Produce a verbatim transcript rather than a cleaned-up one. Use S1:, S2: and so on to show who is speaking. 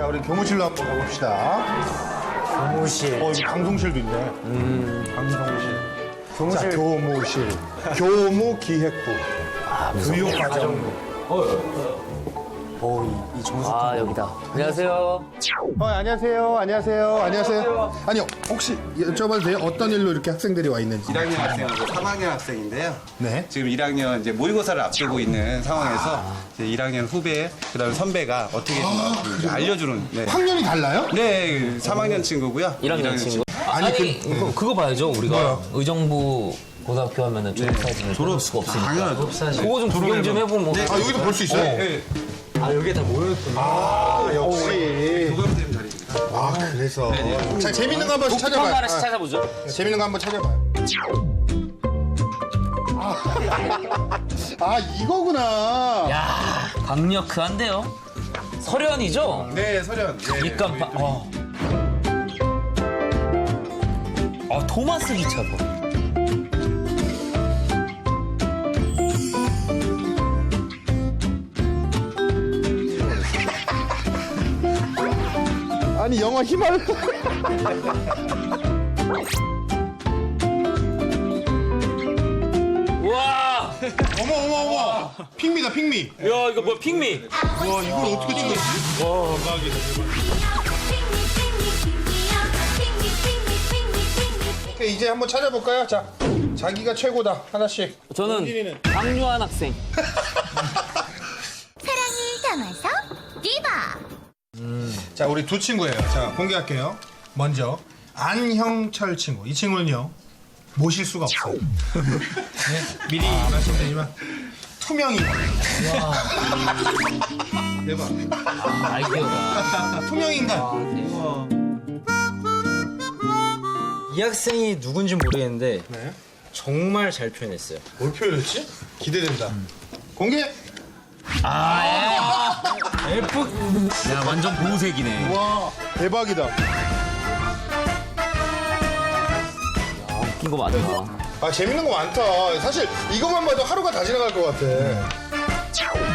S1: 자, 우리 교무실로 한번 가봅시다.
S2: 교무실.
S1: 어, 여기 방송실도 있네. 음, 방송실.
S2: 교무실.
S1: 자, 교무실. 교무기획부.
S2: 아,
S1: 교육과정부.
S2: 오, 이, 이 정수.
S3: 아, 여기다. 안녕하세요.
S1: 어, 안녕하세요. 안녕하세요. 안녕하세요. 아니요, 혹시 여쭤봐도 돼요? 어떤 일로 이렇게 학생들이 와 있는지.
S4: 일 학년 학생하고 삼 학년 학생인데요.
S1: 네.
S4: 지금 일 학년 이제 모의고사를 앞두고 있는 상황에서 이제 일 학년 후배, 그다음에 선배가 어떻게 좀 이제 알려주는. 네.
S1: 학년이 달라요?
S4: 네, 삼 학년 친구고요.
S3: 일 학년 친구.
S1: 아니,
S3: 아니,
S1: 그-
S3: 그거, 그거 봐야죠. 우리가
S1: 뭐요?
S3: 의정부 고등학교 하면은 졸업사진을 볼 수가 없으니까. 그거 좀 구경 좀 해보면 뭐.
S1: 아, 여기도 볼 수 있어요?
S4: 네.
S2: 아, 여기에 다 모였구나.
S1: 아, 역시.
S4: 교감쌤 자리입니다.
S1: 아, 그래서. 자, 재밌는 거 한번
S3: 독특한 거
S1: 찾아봐요.
S3: 하나씩
S1: 아,
S3: 찾아보죠.
S1: 재밌는 거 한번 찾아봐요. 아, 아, 이거구나.
S3: 야, 강력한데요? 설현이죠?
S4: 네, 서련. 네.
S3: 밑간판. 어. 아, 토마스 기차도.
S1: 아니, 영화 희망.
S3: 우와!
S1: 어머, 어머, 어머. 핑미다, 핑미.
S3: 야, 이거 뭐야, 핑미.
S1: 와, 이걸 어떻게 찍었지? 오케이, 이제 한번 찾아볼까요? 자, 자기가 최고다. 하나씩.
S3: 저는
S1: 원진이는?
S3: 강요한 학생.
S5: 사랑을 담아서 디바.
S1: 자, 우리 두 친구예요. 자, 공개할게요. 먼저 안형철 친구. 이 친구는요, 모실 수가 없어요. 네, 미리 말씀드리지만 투명이. 대박.
S3: 아, 아이디어가.
S1: 투명인간.
S2: 이 학생이 누군지 모르겠는데
S1: 네.
S2: 정말 잘 표현했어요.
S1: 뭘 표현했지? 기대된다. 공개.
S3: 아, 예. F. 야, 완전 보색이네.
S1: 와, 대박이다.
S3: 웃긴 거 많다.
S1: 아, 재밌는 거 많다. 사실 이것만 봐도 하루가 다 지나갈 것 같아.